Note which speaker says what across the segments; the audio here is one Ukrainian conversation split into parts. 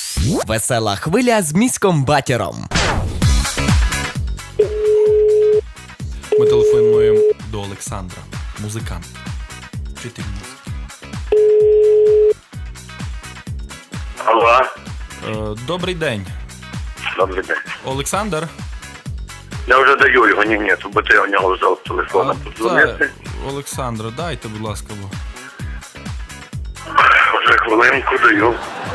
Speaker 1: Весела хвиля з міськом Батіром.
Speaker 2: Ми телефонуємо до Олександра, музикант, вчитель музики.
Speaker 3: Алло.
Speaker 2: Добрий день.
Speaker 3: Добрий день.
Speaker 2: Олександр?
Speaker 3: Я вже даю його, ні, бо ти у нього взяв телефоном подзвонити.
Speaker 2: Олександр, дайте, будь ласка, бо.
Speaker 3: Вже хвилинку даю.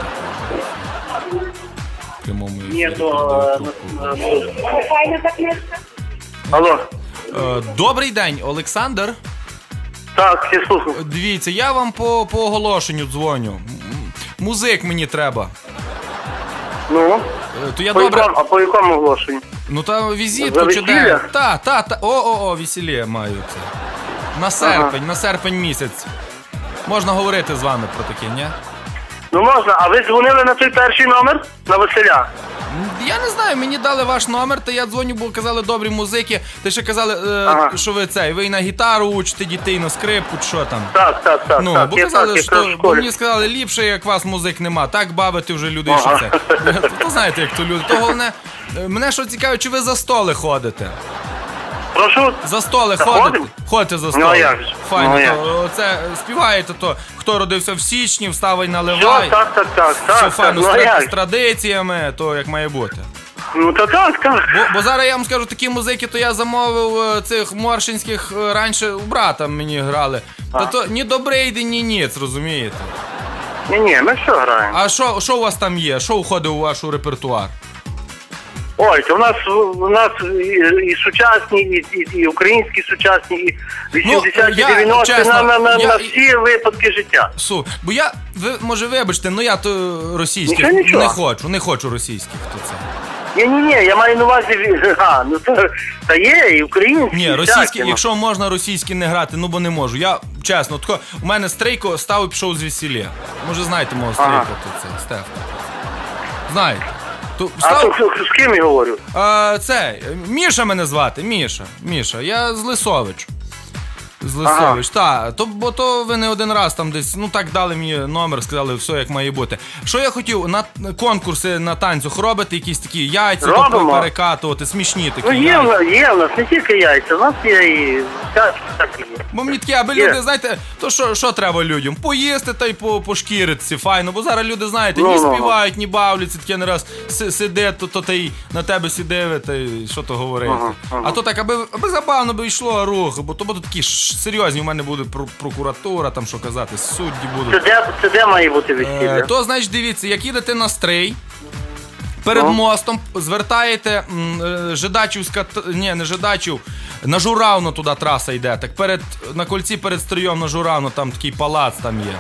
Speaker 2: В прямому ефірі
Speaker 3: Ні,
Speaker 2: передаю трубку.
Speaker 3: Алло.
Speaker 2: Добрий день, Олександр.
Speaker 3: Так, всі слухаю.
Speaker 2: Дивіться, я вам по оголошенню дзвоню. Музик мені треба.
Speaker 3: Ну?
Speaker 2: То я добре.
Speaker 3: А по якому оголошенню?
Speaker 2: Ну та
Speaker 3: За
Speaker 2: візитку чи
Speaker 3: весілля?
Speaker 2: де? Та. Весілля маю це. На серпень місяць. Можна говорити з вами про таке, ні?
Speaker 3: Ну можна, а ви дзвонили на той перший номер? На Василя?
Speaker 2: Я не знаю, мені дали ваш номер, та я дзвоню, бо казали добрі музики. Та ще казали, що ви і на гітару учите дітей, на скрипку, чи що там.
Speaker 3: Так.
Speaker 2: Ну, бо
Speaker 3: Я
Speaker 2: казали,
Speaker 3: так, якраз в
Speaker 2: бо
Speaker 3: школі.
Speaker 2: мені сказали, ліпше, як вас музик нема, так бавити вже люди, що це. То знаєте, як то люди. То головне, мене що цікаво, чи ви за столи ходите?
Speaker 3: Прошу?
Speaker 2: За столи
Speaker 3: Заходимо?
Speaker 2: ходите? Ходите за столи.
Speaker 3: Ну, а як же?
Speaker 2: Файно,
Speaker 3: Ну, а як
Speaker 2: то це співаєте, то хто родився в січні, вставай
Speaker 3: Що,
Speaker 2: наливай.
Speaker 3: так.
Speaker 2: Все файно,
Speaker 3: Ну а
Speaker 2: з
Speaker 3: як?
Speaker 2: традиціями, то як має бути.
Speaker 3: Ну то так.
Speaker 2: Бо зараз я вам скажу, такі музики, то я замовив цих моршинських раніше у брата мені грали. Та то ні добрий, ні ніц, розумієте?
Speaker 3: Ні, ми що граємо?
Speaker 2: А що у вас там є? Що входить у ваш репертуар?
Speaker 3: Ой, то у нас і сучасні, і українські сучасні, і 80-ті,
Speaker 2: я,
Speaker 3: 90-ті,
Speaker 2: чесно,
Speaker 3: на всі випадки життя.
Speaker 2: Бо ви, може, вибачте, я то російських
Speaker 3: Нічого.
Speaker 2: не хочу російських, то це.
Speaker 3: Ні, я маю на увазі, та є, і українські.
Speaker 2: Ні,
Speaker 3: і
Speaker 2: російські,
Speaker 3: всякі, ну.
Speaker 2: якщо можна російські не грати, бо не можу. Я, чесно, у мене стрейко став і пішов з весілля. Може, знаєте мого стрейка, то це, Стефан. Знаєте.
Speaker 3: А то з ким я говорю?
Speaker 2: Міша мене звати, Міша. Я з Лисович. Бо то ви не один раз там десь, так дали мені номер, сказали, все як має бути. Що я хотів, на конкурси на танцях робити, якісь такі яйця,
Speaker 3: Робимо.
Speaker 2: перекатувати, смішні такі.
Speaker 3: Ну є в нас не тільки яйця, у нас є і всякі є.
Speaker 2: Бо мені такі, аби люди, знаєте, то що треба людям? Поїсти та й пошкіритися, файно. Бо зараз люди, знаєте, ні співають, ні бавляться, таке не раз сиде, то та й на тебе сідиве, та й що то говорити. А то так, аби забавно би йшло рух, бо то будуть такі серйозні, у мене буде прокуратура, там що казати, судді будуть.
Speaker 3: Це де має бути весілля?
Speaker 2: То, значить, дивіться, як їдете на стрий, перед мостом звертаєте на Журавно туди траса йде. Так на кольці перед Стриєм на Журавно, там такий палац там є.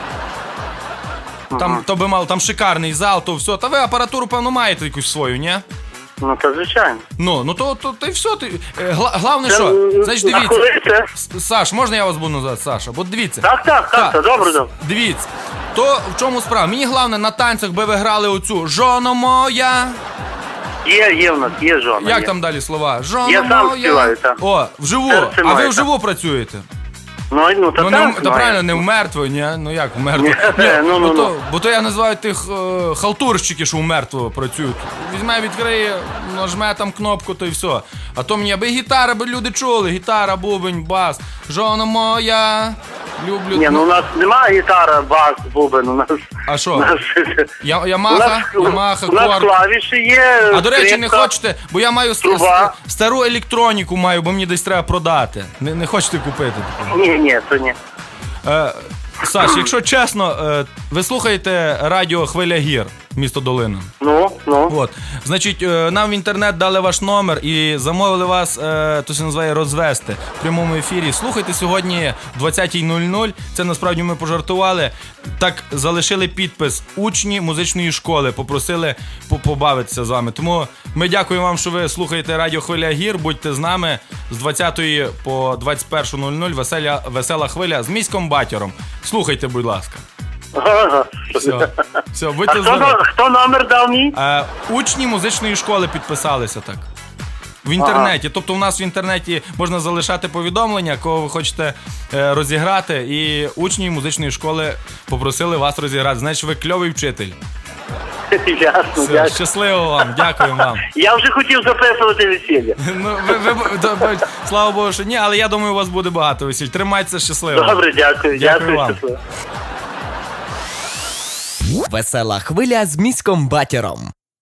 Speaker 2: Там шикарний зал, то все. Та ви апаратуру, певно, маєте якусь свою, ні?
Speaker 3: Ну, то звичайно.
Speaker 2: То й все. Головне, що? Значить,
Speaker 3: А коли
Speaker 2: дивіться.
Speaker 3: це?
Speaker 2: Саш, можна я вас буду називати Саша? Бо дивіться.
Speaker 3: Так, добре.
Speaker 2: Дивіться. То в чому справа? Мені головне на танцях би ви грали оцю «Жоно моя».
Speaker 3: Є в нас, є жона.
Speaker 2: Як
Speaker 3: є.
Speaker 2: там далі слова? «Жоно
Speaker 3: Я сам
Speaker 2: моя».
Speaker 3: співаю, так.
Speaker 2: О, вживу.
Speaker 3: Серце
Speaker 2: А ви
Speaker 3: моє,
Speaker 2: вживу працюєте?
Speaker 3: Ну, та так.
Speaker 2: Та правильно, не в мертво, ні? Ну як в мертво?
Speaker 3: Ні,
Speaker 2: Бо то я називаю тих халтурщиків, що в мертво працюють. Візьме, відкриє, нажме там кнопку, то й все. А то мені, аби гітара, аби люди чули. Гітара, бубень, бас. «Жона моя». Люблю.
Speaker 3: Ні, у нас немає гітара, бас, бубен, у нас...
Speaker 2: А що?
Speaker 3: У нас
Speaker 2: Ямаха,
Speaker 3: у нас
Speaker 2: корд.
Speaker 3: клавіші є,
Speaker 2: А до речі, не
Speaker 3: скрипка.
Speaker 2: хочете, бо я маю
Speaker 3: труба.
Speaker 2: стару електроніку маю, бо мені десь треба продати. Не хочете купити таку?
Speaker 3: Ні, то ні.
Speaker 2: Саш, якщо чесно, ви слухаєте радіо «Хвиля гір», місто Долина.
Speaker 3: Ну.
Speaker 2: От. Значить, нам в інтернет дали ваш номер і замовили вас, то се називає «Розвести» в прямому ефірі. Слухайте сьогодні в 20:00. Це насправді ми пожартували. Так залишили підпис учні музичної школи, попросили побавитися з вами. Тому ми дякуємо вам, що ви слухаєте радіо «Хвиля гір». Будьте з нами з 20 по 21:00. Весела хвиля з міськом Батіром. Слухайте, будь ласка.
Speaker 3: Ага.
Speaker 2: Все, будьте здорові.
Speaker 3: Хто номер дав мій?
Speaker 2: Учні музичної школи підписалися так. В інтернеті. Тобто у нас в інтернеті можна залишати повідомлення, кого ви хочете розіграти, і учні музичної школи попросили вас розіграти. Значить, ви кльовий вчитель.
Speaker 3: Ясно,
Speaker 2: Все,
Speaker 3: дякую.
Speaker 2: щасливо вам, дякую вам.
Speaker 3: Я вже хотів записувати весілля.
Speaker 2: Ну, слава Богу, що ні, але я думаю, у вас буде багато весіль. Тримайтеся щасливо.
Speaker 3: Добре, дякую.
Speaker 2: Дякую вам.
Speaker 3: Щасливо.
Speaker 1: Весела хвиля з міськом Батіром.